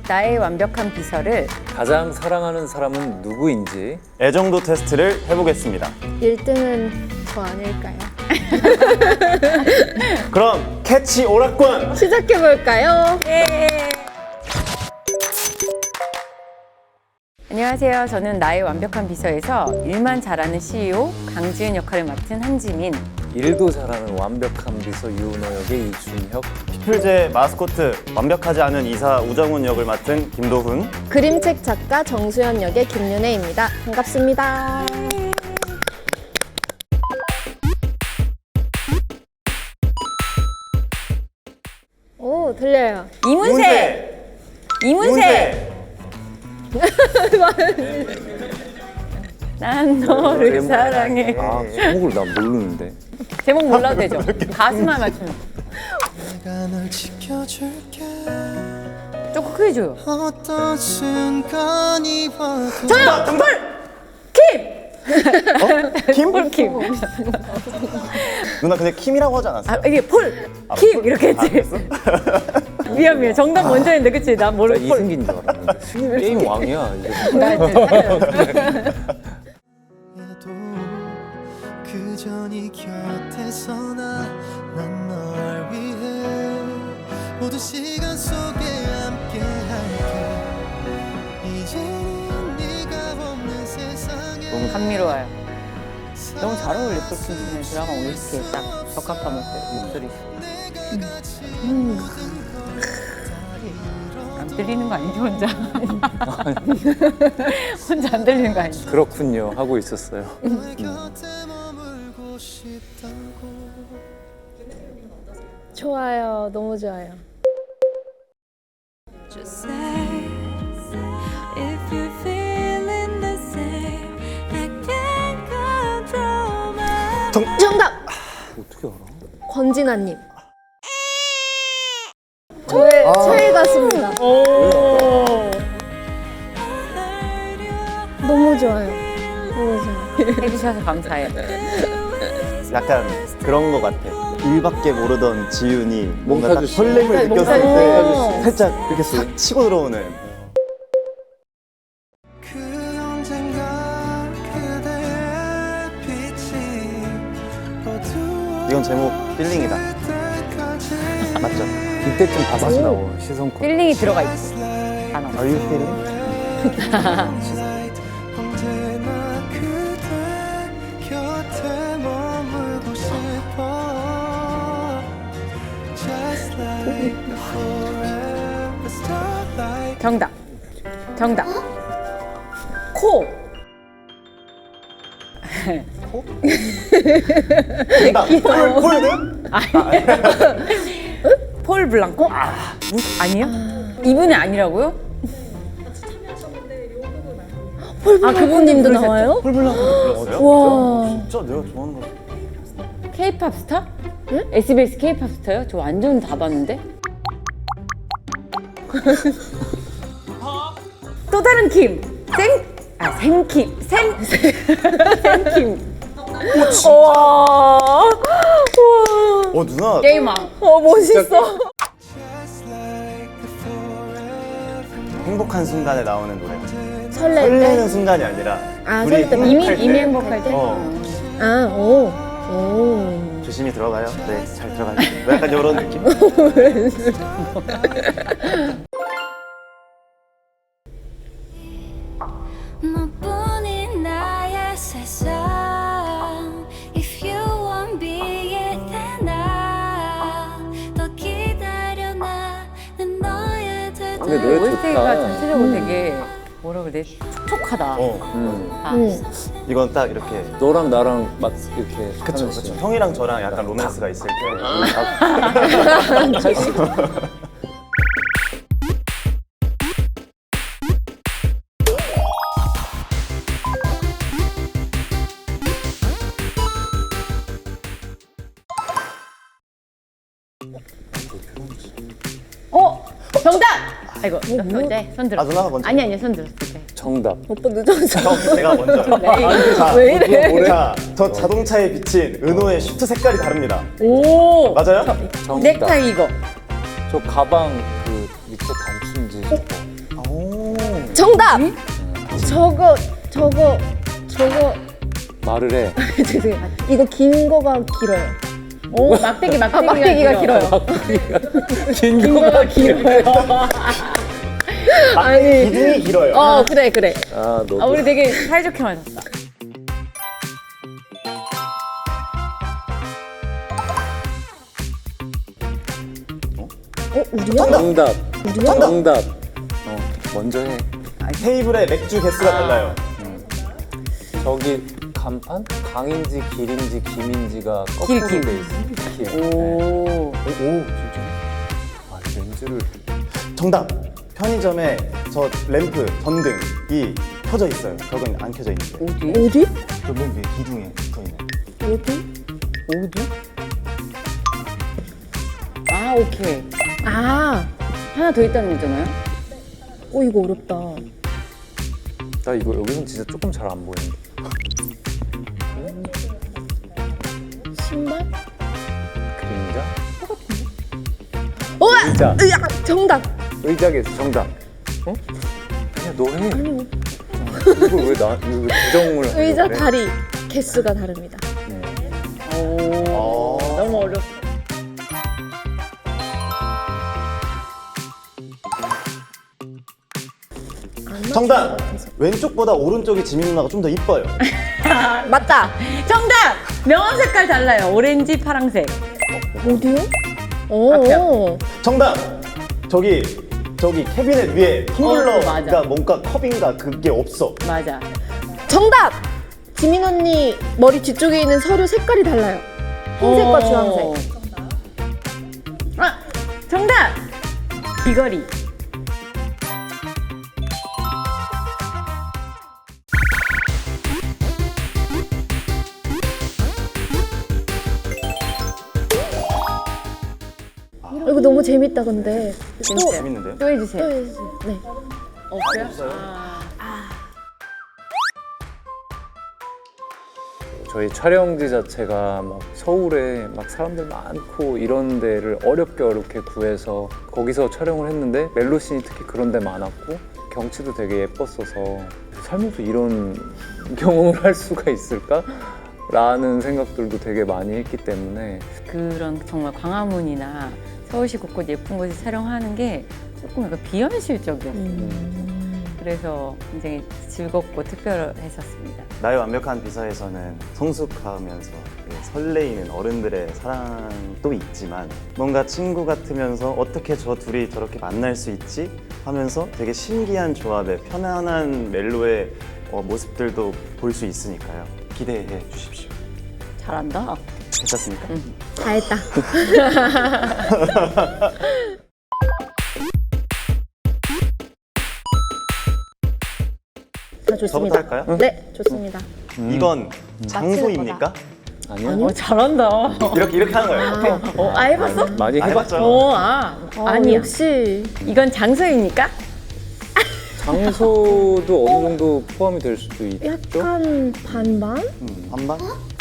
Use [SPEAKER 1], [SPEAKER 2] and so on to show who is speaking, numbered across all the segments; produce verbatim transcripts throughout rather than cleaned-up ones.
[SPEAKER 1] 나의 완벽한 비서를
[SPEAKER 2] 가장 사랑하는 사람은 누구인지
[SPEAKER 3] 애정도 테스트를 해보겠습니다.
[SPEAKER 4] 일 등은 저 아닐까요?
[SPEAKER 3] 그럼 캐치 오락관!
[SPEAKER 4] 시작해볼까요?
[SPEAKER 1] 안녕하세요. 저는 나의 완벽한 비서에서 일만 잘하는 씨이오 강지은 역할을 맡은 한지민.
[SPEAKER 2] 일도 잘하는 완벽한 비서 유은호 역의 이준혁,
[SPEAKER 3] 피플제 마스코트 완벽하지 않은 이사 우정훈 역을 맡은 김도훈.
[SPEAKER 4] 그림책 작가 정수연 역의 김윤혜입니다. 반갑습니다. 오, 들려요.
[SPEAKER 1] 이문세! 이문세! 난 너를 사랑해.
[SPEAKER 2] 아, 제목을 난 모르는데.
[SPEAKER 1] 제목 몰라도 되죠? 가수만 맞추면.
[SPEAKER 5] 내가 널 지켜줄게.
[SPEAKER 1] 조금 크게 줘요.
[SPEAKER 5] 어떤 순간이 와도
[SPEAKER 1] 정답! 폴! 킴!
[SPEAKER 3] 김?
[SPEAKER 1] 폴킴.
[SPEAKER 3] 누나 근데 킴이라고 하지 않았어요?
[SPEAKER 1] 아, 이게 폴! 킴! 이렇게 했지. 미안, 미안. 정답 먼저 했는데, 그치? 난
[SPEAKER 2] 나
[SPEAKER 1] 모르고 폴.
[SPEAKER 2] 이승기인 줄 알았는데. 게임 왕이야. 이제.
[SPEAKER 1] 나 이제 살려요.
[SPEAKER 5] 해도 그저 네 곁에서 난널 위해 모든 시간 속에 함께 할게. 이제는 네가 없는 세상에
[SPEAKER 1] 너무 감미로워요. 너무 잘 어울려, 폴킴 드라마 오에스티에 딱 적합한 목소리. 음. 안 들리는 거 아니죠, 혼자? 혼자 안 들리는 거 아니죠?
[SPEAKER 2] 그렇군요. 하고 있었어요.
[SPEAKER 5] 너의 곁에 머물고 싶다고.
[SPEAKER 4] 좋아요. 너무 좋아요.
[SPEAKER 6] Just say if you're feeling the same. I can't control my
[SPEAKER 3] 정...
[SPEAKER 4] 정답!
[SPEAKER 2] 어떻게 알아?
[SPEAKER 4] 권진아님. 저의 최애 가수입니다. 너무 좋아요. 너무 좋아요.
[SPEAKER 1] 해주셔서 감사해요.
[SPEAKER 3] 약간 그런 거 같아. 일밖에 모르던 지윤이 뭔가 딱
[SPEAKER 2] 몽타주 씨.
[SPEAKER 3] 설렘을
[SPEAKER 4] 몽타주
[SPEAKER 3] 느꼈을
[SPEAKER 4] 씨.
[SPEAKER 3] 때 살짝 이렇게 싹 치고 들어오는.
[SPEAKER 5] 그 언젠가 그대의 빛이 어두워
[SPEAKER 3] 이건 제목 필링이다. 맞죠?
[SPEAKER 2] 이때쯤 다시 나오 시선코.
[SPEAKER 1] 필링이 들어가 있지. 단어.
[SPEAKER 3] Are you feeling?
[SPEAKER 5] 언제나 그대 곁에 머물고 싶어. Just like forever starlight.
[SPEAKER 1] 정답. 정답. 코.
[SPEAKER 3] 정답! 콜, 콜드?
[SPEAKER 1] 폴 블랑코? 아, 무슨 아니요? 이분이 아니라고요? 아, 그분님도 나와요?
[SPEAKER 3] 콜블랑코 불렀어요?
[SPEAKER 1] 와.
[SPEAKER 3] 진짜 내가 좋아하는 거.
[SPEAKER 1] K-팝 스타? 응? 에스비에스 K-팝 스타요? 저 완전 다 봤는데. 또 다른 킴. 생, 아 생킴, 생, 생킴. 와, 와.
[SPEAKER 3] 어 누나
[SPEAKER 1] 게임왕. 어 멋있어.
[SPEAKER 5] Just like the forever.
[SPEAKER 3] 행복한 순간에 나오는 노래.
[SPEAKER 4] 설렐 때?
[SPEAKER 3] 설레는 순간이 아니라
[SPEAKER 4] 아,
[SPEAKER 3] 우리
[SPEAKER 4] 설렐 때
[SPEAKER 3] 행복할
[SPEAKER 1] 이미
[SPEAKER 3] 때.
[SPEAKER 1] 이미 행복할 때.
[SPEAKER 3] 어.
[SPEAKER 4] 아, 오. 오.
[SPEAKER 3] 조심히 들어가요. 네, 잘 들어가요. 뭐 약간 이런 느낌?
[SPEAKER 6] 너뿐인 나의 세상. If you won't be it then 나더 기다려 나는 너의 되돌.
[SPEAKER 2] 근데 노래
[SPEAKER 1] 오에스티가
[SPEAKER 2] 좋다.
[SPEAKER 1] 전체적으로 되게 뭐라 그래 촉촉하다.
[SPEAKER 3] 어.
[SPEAKER 2] 음.
[SPEAKER 1] 아,
[SPEAKER 4] 음.
[SPEAKER 3] 이건 딱 이렇게.
[SPEAKER 2] 너랑 나랑 막 이렇게
[SPEAKER 3] 그쵸,
[SPEAKER 2] 하는
[SPEAKER 3] 그쵸.
[SPEAKER 2] 씬.
[SPEAKER 3] 형이랑 저랑 약간 로맨스가 있을 때.
[SPEAKER 1] 어 정답. 아이고 네, 손 들어.
[SPEAKER 3] 아, 누나가 먼저.
[SPEAKER 1] 아니 아니 손 들었을 때.
[SPEAKER 2] 정답.
[SPEAKER 4] 오빠 늦었어.
[SPEAKER 3] 형, 제가 먼저. 자,
[SPEAKER 4] 왜 이래?
[SPEAKER 3] 자, 저 자동차에 비친 은호의 슈트 색깔이 다릅니다.
[SPEAKER 1] 오.
[SPEAKER 3] 맞아요?
[SPEAKER 2] 정답.
[SPEAKER 1] 넥타이 이거.
[SPEAKER 2] 저 가방 그 밑에 단추인지.
[SPEAKER 4] 정답! 저거 저거 저거
[SPEAKER 2] 말을 해.
[SPEAKER 4] 죄송해요. 이거 긴 거가 길어요.
[SPEAKER 1] 오, 막대기, 막대기가,
[SPEAKER 4] 아, 막대기가 길어요.
[SPEAKER 2] 긴 거가
[SPEAKER 1] 길어요.
[SPEAKER 4] 아니.
[SPEAKER 3] 기둥이 길어요.
[SPEAKER 4] 어 그래 그래.
[SPEAKER 2] 아, 너도.
[SPEAKER 1] 아, 우리 되게 사이좋게 마셨다.
[SPEAKER 4] 어 우리야?
[SPEAKER 2] 정답.
[SPEAKER 4] 우리야?
[SPEAKER 2] 정답. 어, 먼저 해.
[SPEAKER 3] 테이블에 맥주 개수가 달라요.
[SPEAKER 2] 저기 간판? 강인지 길인지 김인지가
[SPEAKER 1] 길,
[SPEAKER 2] 거꾸로
[SPEAKER 1] 길.
[SPEAKER 2] 돼 있어. 길. 네.
[SPEAKER 1] 오.
[SPEAKER 2] 오, 진짜. 아, 이 렌즈를.
[SPEAKER 3] 정답. 편의점에 저 램프 전등이 켜져 있어요. 저건 안 켜져 있는데.
[SPEAKER 1] 어디?
[SPEAKER 4] 어디?
[SPEAKER 3] 저맨 위에 기둥에 붙어 있는.
[SPEAKER 4] 어디?
[SPEAKER 1] 어디? 아, 오케이.
[SPEAKER 4] 아,
[SPEAKER 1] 하나 더 있다는 거잖아요?
[SPEAKER 4] 어 이거 어렵다.
[SPEAKER 2] 나 이거 여기선 진짜 조금 잘 안 보이는데.
[SPEAKER 4] 신발?
[SPEAKER 2] 그림자?
[SPEAKER 4] 어!
[SPEAKER 2] 의자.
[SPEAKER 4] 으악! 정답.
[SPEAKER 2] 의자겠어. 정답. 어? 그냥 너 해.
[SPEAKER 4] 아니 뭐.
[SPEAKER 2] 이걸 왜 나, 이거 왜 부정을 하려고
[SPEAKER 4] 의자
[SPEAKER 2] 그래?
[SPEAKER 4] 다리 개수가 다릅니다.
[SPEAKER 1] 오. 너무 어렵다.
[SPEAKER 4] 안 맞을
[SPEAKER 3] 정답.
[SPEAKER 4] 것 같아서.
[SPEAKER 3] 왼쪽보다 오른쪽이 지민 누나가 좀 더 이뻐요.
[SPEAKER 4] 맞다.
[SPEAKER 1] 정답! 명암 색깔 달라요. 오렌지, 파랑색.
[SPEAKER 4] 어디요? 오.
[SPEAKER 1] 앞이요.
[SPEAKER 3] 정답. 저기 저기 캐비넷 위에
[SPEAKER 1] 어,
[SPEAKER 3] 텀블러가
[SPEAKER 1] 맞아.
[SPEAKER 3] 뭔가 컵인가 그게 없어.
[SPEAKER 1] 맞아.
[SPEAKER 4] 정답. 지민 언니 머리 뒤쪽에 있는 서류 색깔이 달라요. 흰색과 주황색.
[SPEAKER 1] 아, 정답! 귀걸이.
[SPEAKER 4] 이거 너무 재밌다 근데.
[SPEAKER 1] 재밌어요.
[SPEAKER 3] 재밌는데요?
[SPEAKER 1] 또 해주세요.
[SPEAKER 4] 또 해주세요. 네.
[SPEAKER 1] 없어요? 아.
[SPEAKER 2] 저희 촬영지 자체가 막 서울에 막 사람들 많고 이런 데를 어렵게 어렵게 구해서 거기서 촬영을 했는데 멜로씬이 특히 그런 데 많았고 경치도 되게 예뻤어서 살면서 이런 경험을 할 수가 있을까? 라는 생각들도 되게 많이 했기 때문에
[SPEAKER 1] 그런 정말 광화문이나 서울시 곳곳 예쁜 곳에 촬영하는 게 조금 약간 비현실적이었어요.
[SPEAKER 4] 음.
[SPEAKER 1] 그래서 굉장히 즐겁고 특별했었습니다.
[SPEAKER 3] 나의 완벽한 비서에서는 성숙하면서 설레이는 어른들의 사랑도 있지만 뭔가 친구 같으면서 어떻게 저 둘이 저렇게 만날 수 있지? 하면서 되게 신기한 조합의 편안한 멜로의 어, 모습들도 볼 수 있으니까요. 기대해 주십시오.
[SPEAKER 1] 잘한다.
[SPEAKER 3] 괜찮습니까?
[SPEAKER 4] 다 했다. 다
[SPEAKER 3] 저부터
[SPEAKER 4] 좋습니다.
[SPEAKER 3] 할까요?
[SPEAKER 4] 네, 좋습니다.
[SPEAKER 3] 이건 장소입니까?
[SPEAKER 2] 아니요?
[SPEAKER 1] 어, 잘한다.
[SPEAKER 3] 이렇게 이렇게 하는 거예요.
[SPEAKER 1] 어, 아, 해봤어?
[SPEAKER 2] 많이
[SPEAKER 3] 아,
[SPEAKER 2] 해봤죠.
[SPEAKER 3] 해봤죠.
[SPEAKER 1] 어, 아.
[SPEAKER 4] 아,
[SPEAKER 1] 아니야.
[SPEAKER 4] 역시
[SPEAKER 1] 이건 장소입니까?
[SPEAKER 2] 장소도 어느 정도 포함이 될 수도 있죠?
[SPEAKER 4] 약간 반반?
[SPEAKER 3] 음, 반반?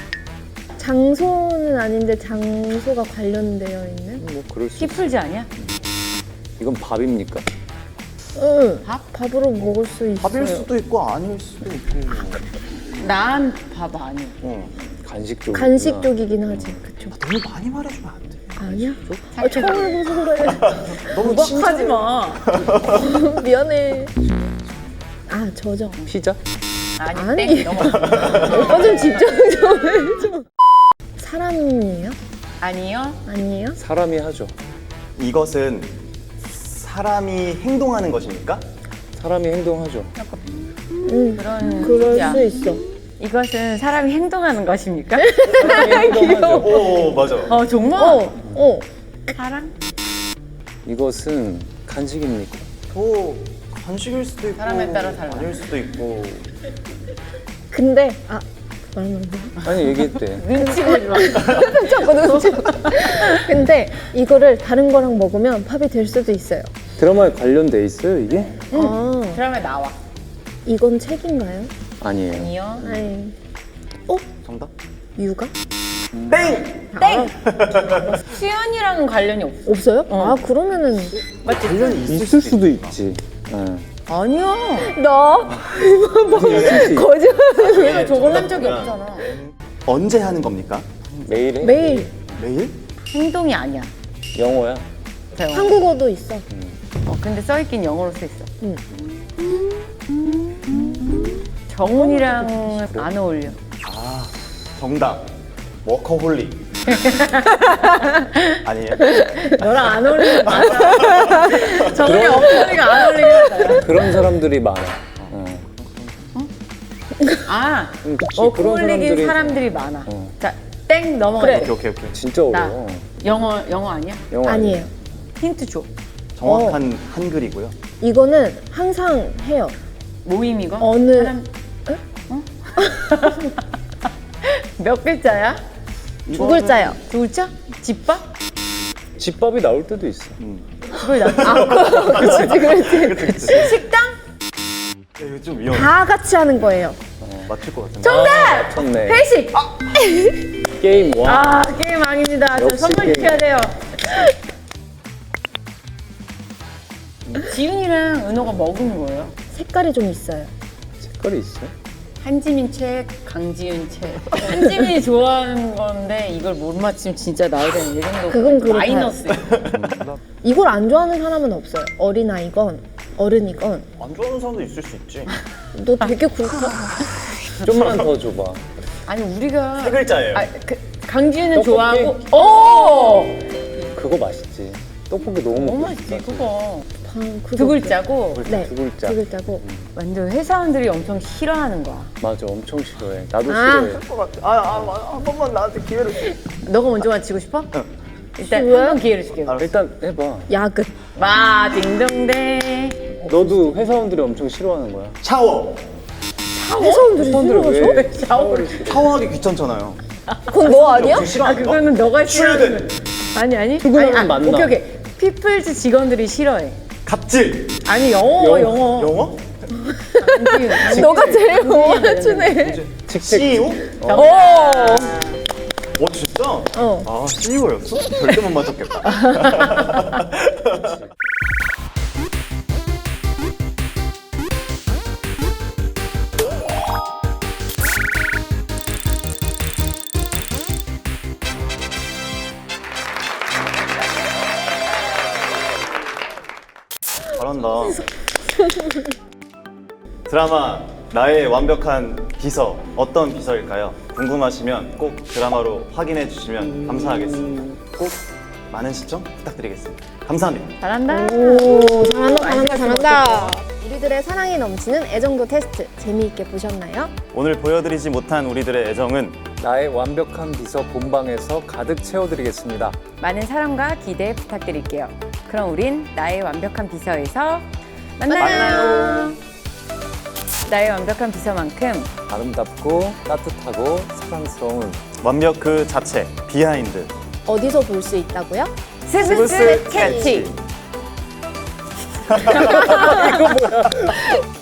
[SPEAKER 4] 장소는 아닌데 장소가 관련되어 있는?
[SPEAKER 2] 뭐 그럴 수 있어.
[SPEAKER 1] 키풀지 아니야?
[SPEAKER 2] 이건 밥입니까?
[SPEAKER 4] 응.
[SPEAKER 1] 밥?
[SPEAKER 4] 밥으로 먹을 수 있어요.
[SPEAKER 3] 밥일 수도 있고 아닐 수도 있고.
[SPEAKER 1] 난 밥 아니야.
[SPEAKER 3] 어.
[SPEAKER 2] 간식 쪽.
[SPEAKER 4] 간식 쪽이긴 하지. 그쵸?
[SPEAKER 3] 너무 많이 말해주면 안 돼.
[SPEAKER 4] 아니야? 아, 처음 해봐서 그래.
[SPEAKER 3] 너무
[SPEAKER 1] 구박하지 마.
[SPEAKER 4] 미안해. 아, 저죠.
[SPEAKER 2] 피자?
[SPEAKER 1] 아니,
[SPEAKER 4] 아니.
[SPEAKER 1] 땡. 넘어.
[SPEAKER 4] 오빠 좀 집중 좀 해줘. 사람이에요?
[SPEAKER 1] 아니요.
[SPEAKER 4] 아니에요?
[SPEAKER 2] 사람이 하죠.
[SPEAKER 3] 이것은 사람이 행동하는 것입니까?
[SPEAKER 2] 사람이 행동하죠.
[SPEAKER 4] 응.
[SPEAKER 1] 그런
[SPEAKER 4] 그럴
[SPEAKER 1] 뜻이야.
[SPEAKER 4] 수 있어.
[SPEAKER 1] 이것은 사람이 행동하는 것입니까?
[SPEAKER 2] 행동하죠.
[SPEAKER 3] 오 맞아.
[SPEAKER 1] 어, 정말?
[SPEAKER 4] 어, 어.
[SPEAKER 1] 사랑?
[SPEAKER 2] 이것은 간식입니까?
[SPEAKER 3] 또 간식일 수도 있고
[SPEAKER 1] 사람에 따라 달라.
[SPEAKER 3] 아닐 수도 있고.
[SPEAKER 4] 근데, 아, 말하면 안 돼.
[SPEAKER 2] 아니 얘기했대.
[SPEAKER 1] 눈치 보지 마.
[SPEAKER 4] 자꾸 눈치. 근데 이거를 다른 거랑 먹으면 팝이 될 수도 있어요.
[SPEAKER 2] 드라마에 관련돼 있어요 이게?
[SPEAKER 4] 아,
[SPEAKER 1] 드라마에 나와.
[SPEAKER 4] 이건 책인가요?
[SPEAKER 2] 아니에요.
[SPEAKER 1] 아니요.
[SPEAKER 4] 아니,
[SPEAKER 3] 정답?
[SPEAKER 4] 육아?
[SPEAKER 3] 땡!
[SPEAKER 1] 땡! 수연이랑은 관련이 없어.
[SPEAKER 4] 없어요?
[SPEAKER 1] 어.
[SPEAKER 4] 아, 그러면은
[SPEAKER 1] 맞지?
[SPEAKER 3] 관련이
[SPEAKER 2] 있을 수도 있지. 예.
[SPEAKER 1] 아니야.
[SPEAKER 4] 너 거짓말.
[SPEAKER 1] 내가 저걸 한 적이 없잖아.
[SPEAKER 3] 언제 하는 겁니까?
[SPEAKER 2] 매일 해?
[SPEAKER 4] 매일
[SPEAKER 3] 매일?
[SPEAKER 1] 행동이 아니야.
[SPEAKER 2] 영어야.
[SPEAKER 1] 배워.
[SPEAKER 4] 한국어도 있어.
[SPEAKER 1] 어, 근데 써있긴 영어로 써 있어.
[SPEAKER 4] 응.
[SPEAKER 1] 정훈이랑 안 어울려.
[SPEAKER 3] 아, 정답. 워커홀릭. 아니에요?
[SPEAKER 1] 너랑 안 어울리는 거 맞아. 정훈이 엉덩이가 안 어울리긴 하다.
[SPEAKER 2] 그런 사람들이 많아. 어.
[SPEAKER 1] 아,
[SPEAKER 2] 응, 그치.
[SPEAKER 1] 어울리긴
[SPEAKER 2] 그런
[SPEAKER 1] 사람들이 많아.
[SPEAKER 2] 어.
[SPEAKER 1] 자, 땡 넘어가.
[SPEAKER 4] 그래.
[SPEAKER 3] 오케이, 오케이, 오케이.
[SPEAKER 2] 진짜
[SPEAKER 1] 나
[SPEAKER 2] 어려워.
[SPEAKER 1] 영어 영어 아니야?
[SPEAKER 2] 영어
[SPEAKER 4] 아니에요.
[SPEAKER 1] 힌트 줘.
[SPEAKER 3] 정확한 한글이고요.
[SPEAKER 4] 이거는 항상 해요.
[SPEAKER 1] 모임 이거?
[SPEAKER 4] 어느-
[SPEAKER 1] 사람... 어? 몇 글자야?
[SPEAKER 4] 두 글자요.
[SPEAKER 1] 두 글자? 집밥?
[SPEAKER 2] 집밥이 나올 때도 있어.
[SPEAKER 1] 집밥이 나. 아, 그렇지, 그렇지. 식당?
[SPEAKER 3] 이거 좀 위험해.
[SPEAKER 4] 다 같이 하는 거예요.
[SPEAKER 3] 맞출 것 같은데.
[SPEAKER 1] 정답!
[SPEAKER 2] 맞췄네.
[SPEAKER 1] 회식.
[SPEAKER 2] 게임 와.
[SPEAKER 1] 아, 게임 아닙니다. 저
[SPEAKER 2] 역시
[SPEAKER 1] 선물
[SPEAKER 2] 게임.
[SPEAKER 1] 시켜야 돼요. 지윤이랑 은호가 먹은 거예요?
[SPEAKER 4] 색깔이 좀 있어요.
[SPEAKER 2] 색깔이 있어?
[SPEAKER 1] 한지민 책, 강지윤 책. 한지민이 좋아하는 건데 이걸 못 맞히면 진짜 나이 되는 이 정도.
[SPEAKER 4] 그건 그렇다.
[SPEAKER 1] 마이너스.
[SPEAKER 4] 이걸 안 좋아하는 사람은 없어요. 어린아이건 어른이건.
[SPEAKER 3] 안 좋아하는 사람도 있을 수 있지.
[SPEAKER 4] 너 되게 굵다.
[SPEAKER 2] 좀만 더 줘봐.
[SPEAKER 1] 아니 우리가
[SPEAKER 3] 세 글자예요.
[SPEAKER 1] 아, 그, 강지윤은
[SPEAKER 2] 떡볶이?
[SPEAKER 1] 좋아하고. 오!
[SPEAKER 2] 그거 맛있지. 떡볶이 너무
[SPEAKER 1] 너무
[SPEAKER 2] 먹고
[SPEAKER 1] 맛있지
[SPEAKER 2] 싶다.
[SPEAKER 1] 그거.
[SPEAKER 4] 방, 그거
[SPEAKER 1] 두 글자고
[SPEAKER 4] 네,
[SPEAKER 2] 두 글자.
[SPEAKER 4] 두 글자고.
[SPEAKER 1] 완전 회사원들이 엄청 싫어하는 거야.
[SPEAKER 2] 맞아, 엄청 싫어해. 나도
[SPEAKER 4] 아.
[SPEAKER 2] 싫어해.
[SPEAKER 3] 아, 아, 한 번만 나한테 기회를 줘.
[SPEAKER 1] 너가 먼저 맞히고 싶어? 일단
[SPEAKER 4] 쉬워요?
[SPEAKER 1] 한 번 기회를 줄게.
[SPEAKER 2] 일단 해봐.
[SPEAKER 4] 야근.
[SPEAKER 1] 마 딩동댕.
[SPEAKER 2] 너도 회사원들이 엄청 싫어하는 거야.
[SPEAKER 3] 샤워.
[SPEAKER 4] 회사원들이
[SPEAKER 2] 회사원들을
[SPEAKER 4] 싫어하죠?
[SPEAKER 2] 왜
[SPEAKER 1] 샤워를
[SPEAKER 2] 싫어?
[SPEAKER 3] 샤워하기 귀찮잖아요.
[SPEAKER 4] 그건 너 아니야?
[SPEAKER 3] 좀
[SPEAKER 1] 아
[SPEAKER 3] 싫어하는 거?
[SPEAKER 1] 그거는 너가 싫어하는
[SPEAKER 3] 출근.
[SPEAKER 1] 거. 아니 아니.
[SPEAKER 2] 출근하면
[SPEAKER 1] 아니, 아,
[SPEAKER 2] 만나.
[SPEAKER 1] 오케이 오케이. 피플즈 직원들이 싫어해.
[SPEAKER 3] 갑질.
[SPEAKER 1] 아니 영어
[SPEAKER 2] 영-
[SPEAKER 1] 영어.
[SPEAKER 3] 영어?
[SPEAKER 1] 강지윤, 강지윤.
[SPEAKER 4] 너가 제일 못 맞추네.
[SPEAKER 2] 칙칙.
[SPEAKER 3] 씨이오?
[SPEAKER 1] 오.
[SPEAKER 3] 어, 진짜?
[SPEAKER 4] 어.
[SPEAKER 3] 아, 씨이오였어? 절대 못 맞췄겠다. 잘한다. 드라마 나의 완벽한 비서 어떤 비서일까요? 궁금하시면 꼭 드라마로 확인해 주시면 감사하겠습니다. 꼭 많은 시청 부탁드리겠습니다. 감사합니다.
[SPEAKER 1] 잘한다.
[SPEAKER 4] 오, 잘한다, 잘한다, 잘한다. 우리들의 사랑이 넘치는 애정도 테스트 재미있게 보셨나요?
[SPEAKER 3] 오늘 보여드리지 못한 우리들의 애정은
[SPEAKER 2] 나의 완벽한 비서 본방에서 가득 채워드리겠습니다.
[SPEAKER 1] 많은 사랑과 기대 부탁드릴게요. 그럼 우린 나의 완벽한 비서에서 만나요.
[SPEAKER 3] 만나요.
[SPEAKER 1] 나의 완벽한 비서만큼
[SPEAKER 2] 아름답고 따뜻하고 사랑스러운
[SPEAKER 3] 완벽 그 자체 비하인드
[SPEAKER 4] 어디서 볼 수 있다고요?
[SPEAKER 1] 스브스 캐치.
[SPEAKER 3] 캐치.
[SPEAKER 2] 이거 뭐야?